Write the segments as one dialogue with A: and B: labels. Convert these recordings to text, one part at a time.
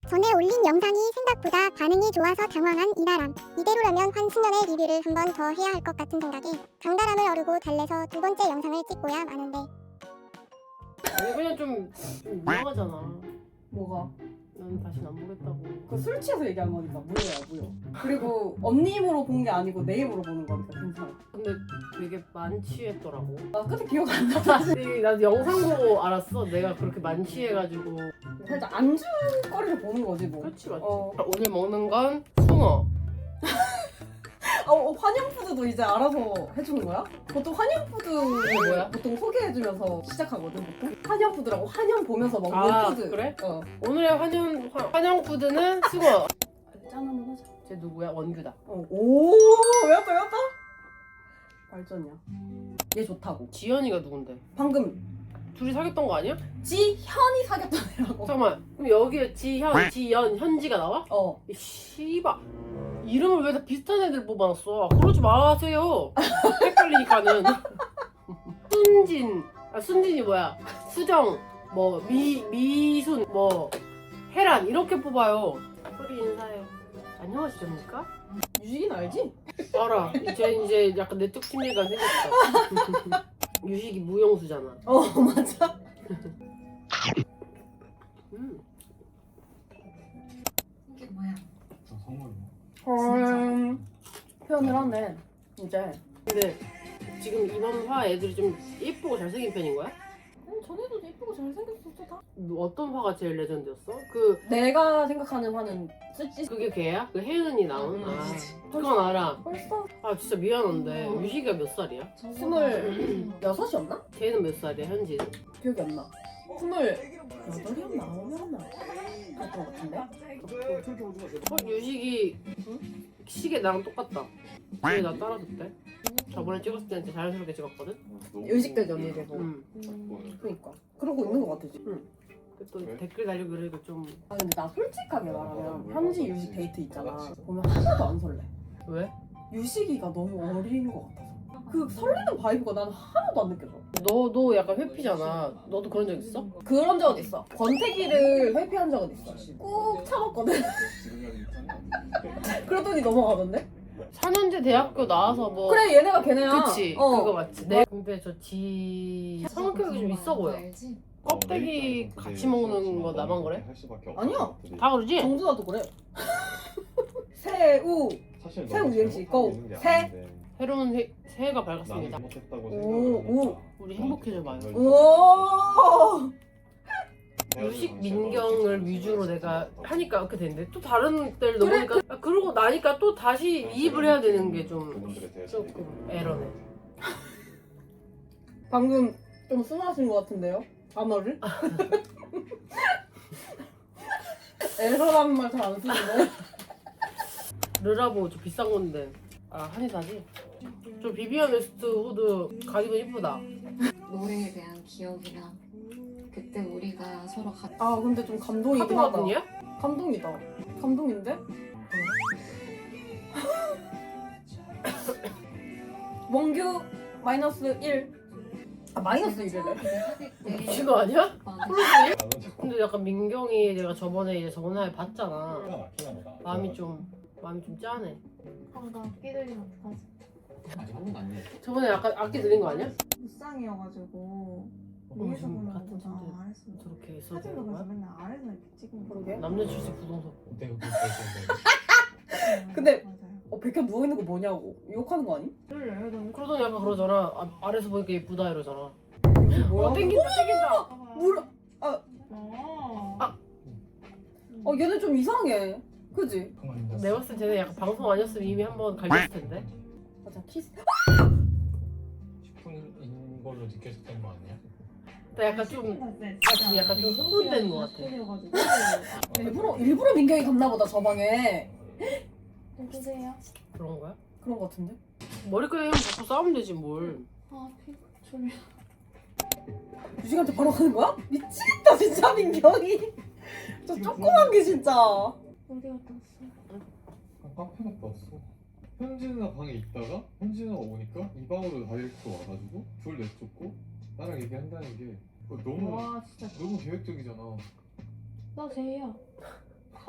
A: 전에 올린 영상이 생각보다 반응이 좋아서 당황한 이나람. 이대로라면 환승연의 리뷰를 한 번 더 해야 할 것 같은 생각에 강다람을 어르고 달래서 두 번째 영상을 찍고야 마는데
B: 아니 그냥 좀 이상하잖아.
C: 뭐가?
B: 난 다시는 안 보겠다고.
C: 그 술 취해서 얘기한 거니까 무효야 무효. 그리고 언니 입으로 본 게 아니고 내 입으로 보는 거니까 괜찮아.
B: 근데 되게 만취했더라고.
C: 나 끝에 기억 안 나.
B: 나도 영상 보고 알았어. 내가 그렇게 만취해가지고.
C: 살짝 안주거리를 보는 거지 뭐.
B: 그렇지 맞지.
C: 어.
B: 오늘 먹는 건 숭어.
C: 환영푸드도 이제 알아서 해주는 거야? 보통 환영푸드
B: 뭐야?
C: 보통 소개해주면서 시작하거든 보통? 환영푸드라고 환영 보면서 먹는
B: 아
C: 푸드.
B: 그래?
C: 어.
B: 오늘의 환영 푸드는 숭어.
C: 짠 한번 하자.
B: 쟤 누구야? 원규다.
C: 오 외웠다 외웠다? 발전이야. 얘 좋다고.
B: 지연이가 누군데?
C: 방금
B: 둘이 사귀었던 거 아니야?
C: 지현이 사귀었던 애라고.
B: 잠깐만. 그럼 여기에 지현, 지연, 현지가 나와?
C: 어.
B: 이 씨발. 이름을 왜 다 비슷한 애들 뽑아놨어? 그러지 마세요. 헷갈리니까는. 순진이 뭐야? 수정, 뭐 미순, 뭐 혜란 이렇게 뽑아요. 우리 인사해. 안녕하십니까?
C: 유식이는 알지?
B: 알아. 이제 약간 내적 친밀감 생겼어. 유식이 무용수잖아.
C: 어 맞아.
D: 이게 뭐야?
E: 저 선물 뭐?
C: 표현을 하네 이제.
B: 근데 지금 이번 화 애들이 좀 예쁘고 잘생긴 편인 거야?
C: 전에도 예쁘고 잘생겼었어 다.
B: 어떤 화가 제일 레전드였어? 그
C: 내가 생각하는 화는 쓰지.
B: 그게 걔야? 그 혜은이 나온? 아 그건 알아.
C: 벌써
B: 아 진짜 미안한데 유식이가 몇 살이야?
C: 26이었나?
B: 걔는 몇 살이야 현지는?
C: 기억이 안 나. 28이었나? 9이었나? 그랬던 것 같은데?
B: 유식이 시계 나랑 똑같다. 걔 나 따라줬대. 저번에 찍었을 때는 진짜 자연스럽게 찍었거든?
C: 의식되지 언니 계속. 그니까 그러고 있는 것 같아 지금.
B: 또 댓글 달리고 그러니까 좀
C: 아 근데 나 솔직하게 말하면 현지 유식 데이트 있잖아. 보면 하나도 안 설레.
B: 왜?
C: 유식이가 너무 어린 것 같아서. 그 설레는 바이브가 난 하나도 안 느껴져.
B: 너 약간 회피잖아. 너도 그런 적 있어?
C: 그런 적은 있어. 권태기를 회피한 적은 있어. 꾹 참았거든. 그러더니 넘어가던데?
B: 4년제 대학교 나와서 뭐
C: 그래 얘네가 걔네야.
B: 그치 그거 맞지. 근데 저 성격이 좀 있어 보여.
D: 알지?
B: 껍데기 같이 먹는 거 나만 그래?
C: 아니야.
B: 다 그러지?
C: 정준아도 그래. 새우. 새우 이행시 고.
B: 새로운 새해가 밝았습니다.
C: 오.
B: 우리 행복해져봐요.
C: 오.
B: 유식 민경을 위주로 내가 하니까 이렇게 되는데 또 다른 데를 넘으니까 그러고 나니까 또 다시 이입을 해야 되는 게 좀 조금 에러네.
C: 방금 좀 순하신 것 같은데요? 단어를? 에러라는 말 잘 안 쓰는데?
B: 르라보 저 비싼 건데 한의사지? 저 비비안 웨스트 후드 가디건 이쁘다.
D: 노래에 대한 기억이랑 그때 우리가 서로 같이
C: 아 근데 좀 감동이긴 하다.
B: 카드마분이야?
C: 감동이다. 감동인데? 원규 마이너스 1. 아 마이너스 1이래.
D: 사귈 때
B: 미친 거 아니야?
D: 오빠는
B: 근데 약간 민경이 내가 저번에 저번에 봤잖아. 마음이 좀 짠해.
F: 나 악기 들리면 어떡하지?
E: 아직 한 번도 안 해.
B: 저번에 약간 악기 들린 거 아니야?
F: 무쌍이어가지고 위에서
B: 지금
F: 보는
B: 같은
F: 것보다
B: 침대
F: 아래서
B: 저렇게 있어도
F: 사진도
B: 되는
F: 그래서
B: 거야?
F: 맨날 아래서 이렇게 찍는 거
C: 그러게.
B: 남녀 출세 부동석.
E: 내가 그랬는데.
C: 근데-
F: 맞아요.
C: 백현 누워있는 거 뭐냐고. 욕하는 거 아니?
F: 그래 너
B: 그러더니 약간 그러잖아. 아래서 보니까 예쁘다 이러잖아.
C: 뭐야?
B: 땡긴다.
C: 물.
F: 아.
C: 얘네 좀 이상해. 그지?
B: 내가 봤을 때 쟤네 약간 방송 아니었으면 이미 한번 갈렸을 텐데.
C: 맞아 키스.
E: 10분인 걸로 느껴졌던 거 아니야?
B: 나 약간 좀 약간 좀 흥분되는 것 같아.
C: 일부러 민경이 갔나 보다 저 방에.
F: 누구세요?
B: 그런 거야?
C: 그런 거 같은데?
B: 머리카락이랑 자꾸 싸우면 되지 뭘.
F: 아 피부 졸려.
C: 유식한테 바로 가는 거야? 미치겠다 진짜 민경이. 저 조그만 게 진짜.
F: 어디 갔다 왔어?
E: 카페 갔다 왔어. 현진아 방에 있다가 현진아가 오니까 이 방으로 다이렉트 와가지고 둘 내쫓고 나랑 얘기한다는 게 너무
F: 와 진짜
E: 너무 계획적이잖아.
F: 나 제이야.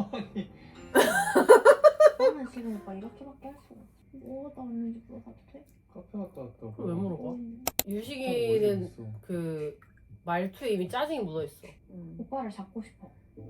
F: 나가도 돼?
E: 카페 갔다 왔다고.
B: 그걸 왜 물어봐?
F: 음.
B: 유식이는 그 말투에 이미 짜증이 묻어있어.
F: 오빠를 잡고 싶어.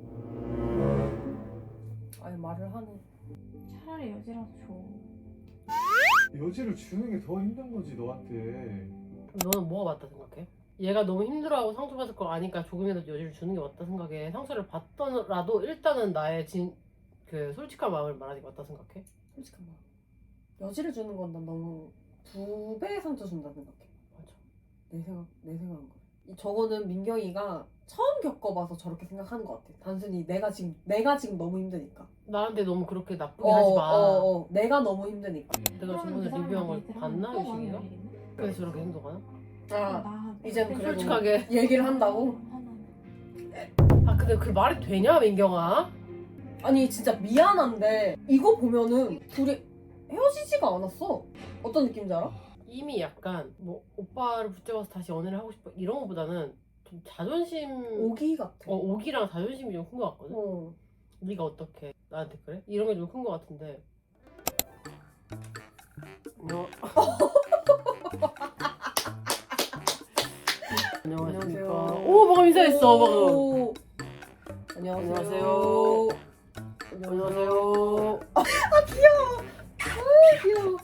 C: 아니 말을 하네.
F: 차라리 여지라도 줘.
E: 여지를 주는 게 더 힘든 거지 너한테.
B: 너는 뭐가 맞다 생각해? 얘가 너무 힘들어하고 상처받을 걸 아니까 조금이라도 여지를 주는 게 맞다 생각해? 상처를 받더라도 일단은 나의 그 솔직한 마음을 말하는 게 맞다 생각해?
C: 솔직한 말. 여지를 주는 건 난 너무 2배의 상처 준다 생각해.
B: 맞아.
C: 내 생각은 그래. 저거는 민경이가 처음 겪어봐서 저렇게 생각하는 것 같아. 단순히 내가 지금 너무 힘드니까.
B: 나한테 너무 그렇게 나쁘게 하지 마.
C: 내가 너무 힘드니까.
B: 내가 저번에 리뷰한 걸 봤나 유식이가? 그래서 저렇게 행동하나?
C: 아, 이젠 그래도
B: 솔직하게.
C: 얘기를 한다고?
B: 아 근데 그 말이 되냐 민경아?
C: 아니 진짜 미안한데 이거 보면은 둘이 헤어지지가 않았어. 어떤 느낌인지 알아?
B: 이미 약간 뭐 오빠를 붙잡아서 다시 연애를 하고 싶어 이런 거보다는 좀 자존심
C: 오기 같아.
B: 오기랑 자존심이 좀 큰 거 같거든?
C: 어.
B: 네가 어떻게 나한테 그래? 이런 게 좀 큰 거 같은데 너 안녕하십니까. 오 방금 인사했어 방금.
C: 오. 안녕하세요.
B: 안녕하세요.
C: 귀여워.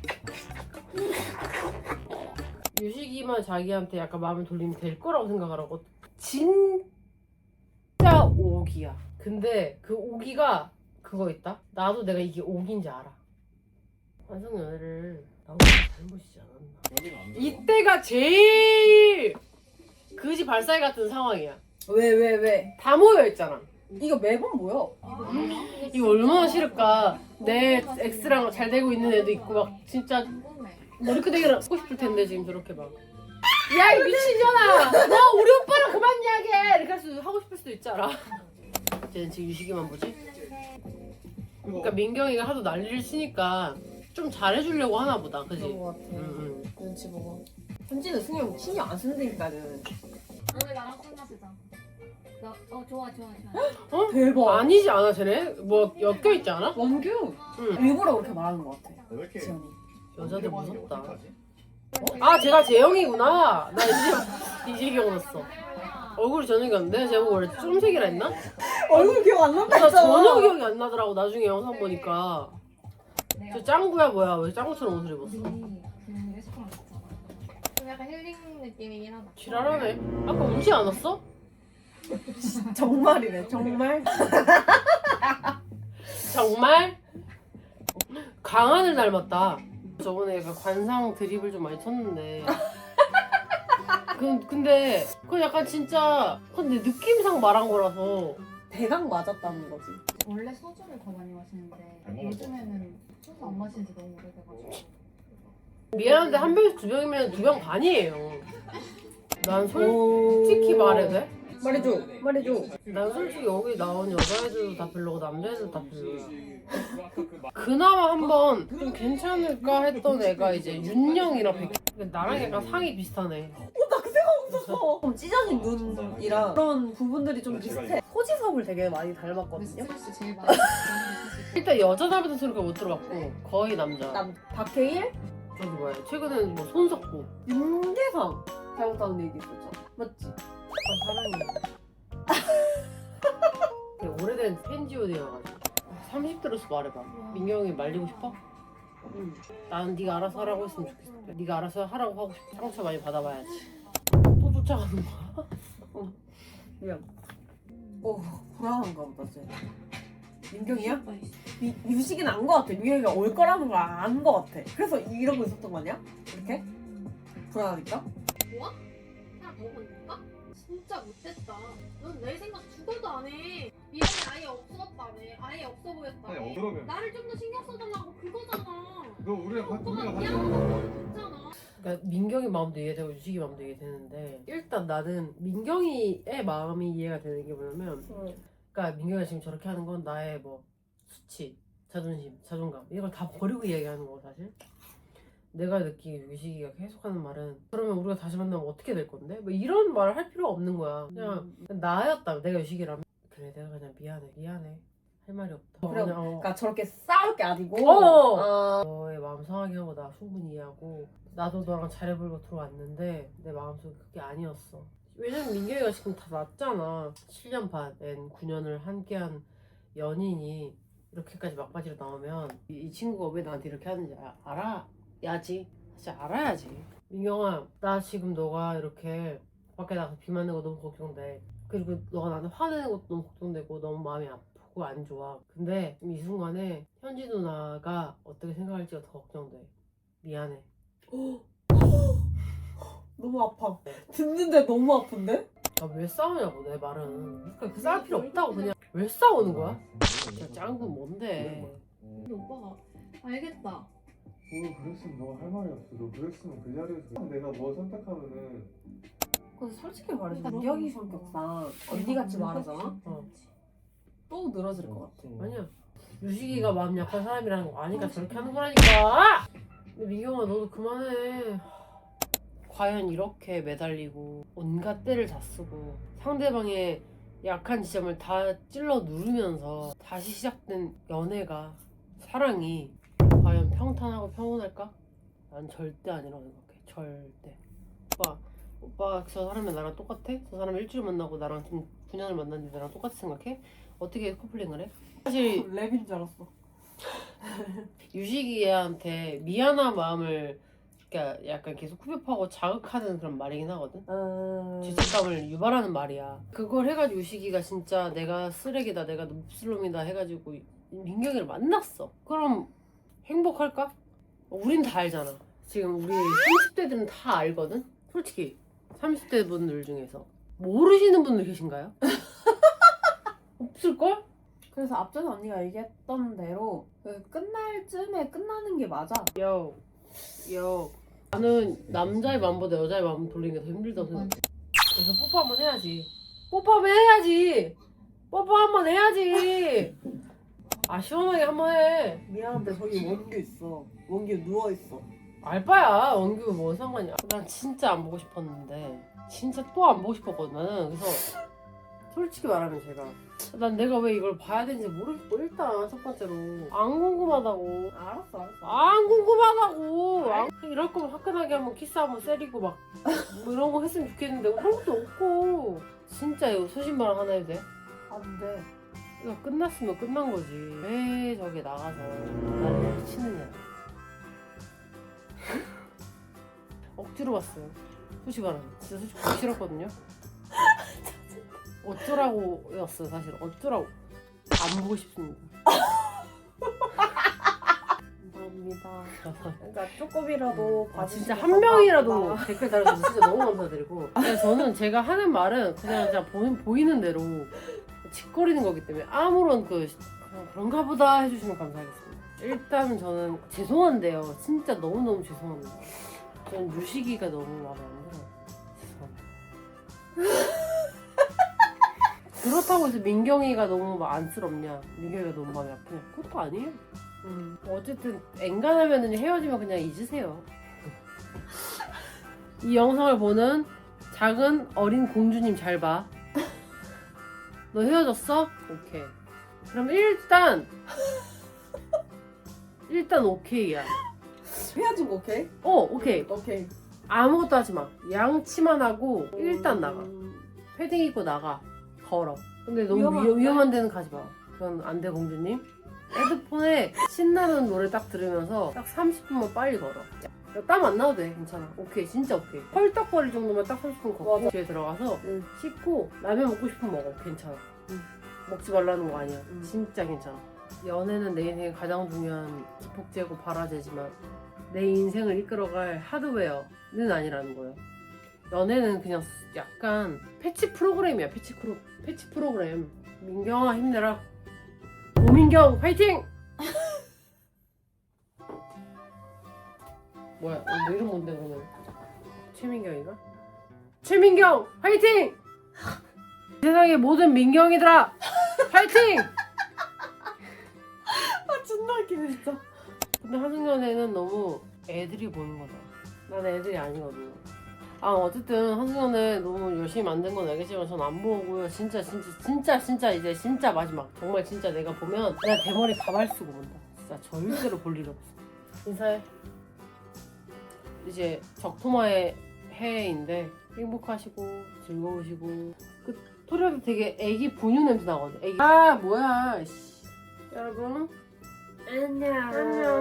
B: 유식이만 자기한테 약간 마음을 돌리면 될 거라고 생각하라고. 진짜 오기야. 근데 그 오기가 그거 있다? 나도 내가 이게 오기인지 알아. 환승연애를 나보다 잘못이지 않았나. 이때가 제일 그지 발사이 같은 상황이야.
C: 왜?
B: 다 모여있잖아.
C: 이거 매번 뭐야?
B: 이거 얼마나 싫을까. 내 엑스랑 잘 되고 있는 애도 있고 막 진짜
D: 궁금해.
B: 머리끄댕이를 하고 싶을 텐데 지금 저렇게 막 야 이 미친년아 너 우리 오빠랑 그만 이야기해 이렇게 할 수도 하고 싶을 수도 있잖아. 쟤는 지금 유식이만 보지? 그러니까 민경이가 하도 난리를 치니까 좀 잘해주려고 하나 보다. 그지?
C: 그런 거 같아.
B: 응.
C: 눈치 보고. 현지는 승용 신경 안 쓰니까는.
D: 오늘 나랑 술 마시자. 좋아.
B: 어?
C: 대박.
B: 아니지 않아 쟤네? 뭐 엮여있지 않아?
C: 원규.
B: 응.
C: 일부러 그렇게 말하는 것 같아.
E: 왜 이렇게
C: 지연이.
B: 여자들 무섭다.
E: 어떡하지?
B: 아 제가 재영이구나. 나 이제 기억났어. 얼굴이 저녁이었는데 내가 제목 원래 쫌색이라 했나?
C: 얼굴 기억 안 난다
B: 나
C: 했잖아.
B: 전혀 기억이 안 나더라고 나중에 영상 보니까. 저 짱구야 뭐야 왜 짱구처럼 옷을 입었어?
D: 그 레스토랑 갔잖아.
F: 좀 약간 힐링 느낌이긴 하다.
B: 지랄하네. 아까 울지 않았어?
C: 정말이래. 정말.
B: 정말? 강한을 닮았다. 저번에 약간 관상 드립을 좀 많이 쳤는데 근데 그건 약간 진짜 근데 느낌상 말한 거라서
C: 대강 맞았다는 거지.
D: 원래 소주를 더 많이 마시는데
E: 잘 먹을
D: 요즘에는 소주 안 마신 지 너무 오래돼가지고.
B: 미안한데 한 병에서 두 병이면 2병 반이에요. 난 솔직히 말해도 돼?
C: 말해줘.
B: 난 솔직히 여기 나온 여자애들도 다 별로고 남자애들도 다 별로야. 그나마 한번 좀 괜찮을까 했던 애가 이제 윤영이랑 백. 근데 나랑 약간 상이 비슷하네.
C: 나 그 생각 없었어. 좀 찢어진 눈이랑 그런 부분들이 좀 비슷해. 호지섭을 되게 많이 닮았거든요.
D: 스트레스 제일 많이 받는
B: 일단 여자 닮았다는 소리가 못 들어봤고 거의 남자.
C: 박해일,
B: 저기 뭐야 최근에는 뭐 손석구.
C: 윤계상 닮았다는 얘기 있었죠. 맞지?
B: 아 사랑해. 되게 오래된 팬지오디여가지고 30대로서 말해봐. 민경이 말리고 싶어? 응. 난 네가 알아서 하라고 했으면 좋겠어. 네가 알아서 하라고 하고 싶어. 상처 많이 받아봐야지. 또 쫓아가는 거야?
C: 미안. 불안한가 보다 쟤. 민경이야? 유식이는 안 거 같아. 민경이가 올 거라는 걸 안 거 같아. 그래서 이러고 있었던 거 아니야? 이렇게? 불안하니까?
F: 하나 더 보니까? 진짜 못됐다. 넌 내 생각 죽어도 안 해. 미련이 아예 없었다며. 아예 없어 보였다며.
E: 아니 그러면
F: 나를 좀 더 신경 써달라고 그거잖아.
E: 너 우리가
F: 오빠가
E: 같이
F: 미안하다고 됐잖아.
B: 그러니까 민경이 마음도 이해되고 유식이 마음도 이해되는데 일단 나는 민경이의 마음이 이해가 되는 게 뭐냐면 그러니까 민경이가 지금 저렇게 하는 건 나의 뭐 수치, 자존심, 자존감 이걸 다 버리고 이야기하는 거고 사실 내가 느끼기 유식이가 계속하는 말은 그러면 우리가 다시 만나면 어떻게 될 건데? 뭐 이런 말을 할 필요가 없는 거야. 그냥 나였다면 내가 유식이라면 그래 내가 그냥 미안해 할 말이 없다.
C: 그래,
B: 그냥,
C: 그러니까 저렇게 싸울 게 아니고.
B: 너의 마음 상하게 하고 나 충분히 이해하고 나도 너랑 잘해보려고 들어왔는데 내 마음속에 그게 아니었어. 왜냐면 민경이가 지금 다 났잖아. 7년 반, 9년을 함께한 연인이 이렇게까지 막바지로 나오면 이 친구가 왜 나한테 이렇게 하는지 알아야지. 사실 알아야지. 민경아, 나 지금 너가 이렇게 밖에 나가서 비 맞는 거 너무 걱정돼. 그리고 너가 나한테 화내는 것도 너무 걱정되고 너무 마음이 아프고 안 좋아. 근데 이 순간에 현지 누나가 어떻게 생각할지가 더 걱정돼. 미안해.
C: 너무 아파. 듣는데 너무 아픈데?
B: 나 왜 싸우냐고 내 말은. 그러니까 싸울 필요 없다고. 그냥 왜 싸우는 거야? 진짜 짱구 뭔데.
F: 근데 오빠가 알겠다.
E: 뭐 그랬으면 너가 할 말이 없어. 너 그랬으면 그 자리에서 내가 뭐 선택하면은
C: 근데 솔직히 말해서 민경이 성격상 언니같이 말하잖아? 또 늘어질 것 같아.
B: 아니야. 유식이가 마음 약한 사람이라는 거 아니까 저렇게 하는 거라니까. 근데 민경아 너도 그만해. 과연 이렇게 매달리고 온갖 때를 다 쓰고 상대방의 약한 지점을 다 찔러 누르면서 다시 시작된 연애가, 사랑이 과연 평탄하고 평온할까? 난 절대 아니라고 생각해. 절대. 오빠 저 사람이 나랑 똑같아? 저 사람 일주일 만나고 나랑 지금 9년을 만났는데 나랑 똑같이 생각해? 어떻게 커플링을 해? 사실
C: 랩인 줄 알았어.
B: 유식이한테 미안한 마음을 그러니까 약간 계속 후벼파고 자극하는 그런 말이긴 하거든. 죄책감을 유발하는 말이야. 그걸 해가지고 유식이가 진짜 내가 쓰레기다, 내가 몹쓸놈이다 해가지고 민경이를 만났어. 그럼 행복할까? 우린 다 알잖아. 지금 우리 30대들은 다 알거든? 솔직히 30대 분들 중에서 모르시는 분들 계신가요? 없을걸?
C: 그래서 앞전에 언니가 얘기했던 대로 그 끝날 쯤에 끝나는 게 맞아.
B: 요 나는 남자의 마음보다 여자의 마음 돌리는 게 더 힘들다고 생각해. 그래서 뽀뽀 한번 해야지. 뽀뽀 한번 해야지. 뽀뽀 한번 해야지. 아 시원하게 한번 해.
C: 미안한데 저기 원규 있어. 원규 누워 있어.
B: 알바야. 원규 뭐 상관이야. 난 진짜 안 보고 싶었는데 진짜 또 안 보고 싶었거든 나는. 그래서 솔직히 말하면 난 내가 왜 이걸 봐야 되는지 모르겠고 일단 첫 번째로 안 궁금하다고.
C: 알았어.
B: 안 궁금하다고. 이럴 거면 화끈하게 한번 키스 한번 세리고 막 뭐 이런 거 했으면 좋겠는데 그런 것도 없고. 진짜 이거 소신발 하나 해도 돼?
C: 안 돼.
B: 이거 끝났으면 끝난 거지. 왜 저기 나가서 나를 치느냐. 억지로 봤어요. 솔직히 말하면 진짜 솔직히 보기 싫었거든요. 어쩌라고였어요 사실. 어쩌라고. 안 보고 싶습니다. 감사합니다.
C: 그러니까 조금이라도
B: 진짜 한 명이라도 댓글 달아주셔서 진짜 너무 감사드리고. 그냥 저는 제가 하는 말은 그냥 보이는 대로 짓거리는 거기 때문에 아무런 그냥 그런가 보다 해주시면 감사하겠습니다. 일단 저는 죄송한데요. 진짜 너무너무 죄송합니다. 저는 유식이가 너무 마음에 안 들어요. 죄송합니다. 그렇다고 해서 민경이가 너무 막 안쓰럽냐, 민경이가 너무 마음이 아프냐, 그것도 아니에요. 어쨌든 엔간하면 헤어지면 그냥 잊으세요. 이 영상을 보는 작은 어린 공주님 잘 봐. 너 헤어졌어? 오케이. 그럼 일단 오케이야.
C: 헤어진 거 오케이?
B: 오케이.
C: 오케이.
B: 아무것도 하지 마. 양치만 하고 일단 나가. 패딩 입고 나가. 걸어. 근데 너무 위험한 데는 가지 마. 그건 안 돼, 공주님. 헤드폰에 신나는 노래 딱 들으면서 딱 30분만 빨리 걸어. 땀 안 나도 돼. 괜찮아. 오케이. 진짜 오케이. 헐떡거릴 정도만 딱 30분 걷고 집에 들어가서 씻고 라면 먹고 싶으면 먹어. 괜찮아. 먹지 말라는 거 아니야. 진짜 괜찮아. 연애는 내 인생의 가장 중요한 기폭제고 발화제지만 내 인생을 이끌어갈 하드웨어는 아니라는 거예요. 연애는 그냥 약간 패치 프로그램이야. 패치 프로그램. 민경아 힘내라. 오민경 화이팅! 뭐야? 너 이름 뭔데 그러면? 최민경이가? 최민경 화이팅! 세상의 모든 민경이들아 화이팅!
C: 존나 웃기네 진짜.
B: 근데 한승연애는 너무 애들이 보는 거다. 난 애들이 아니거든. 아 어쨌든 한승연은 너무 열심히 만든 건 알겠지만 전 안 보고요. 진짜 이제 진짜 마지막. 정말 진짜 내가 보면 내가 대머리 가발 쓰고 본다. 진짜 절대로 볼 일 없어. 인사해. 이제 적토마의 해인데 행복하시고 즐거우시고 그 토리아도 되게 애기 분유 냄새 나거든. 애기. 아 뭐야. 씨. 여러분 안녕.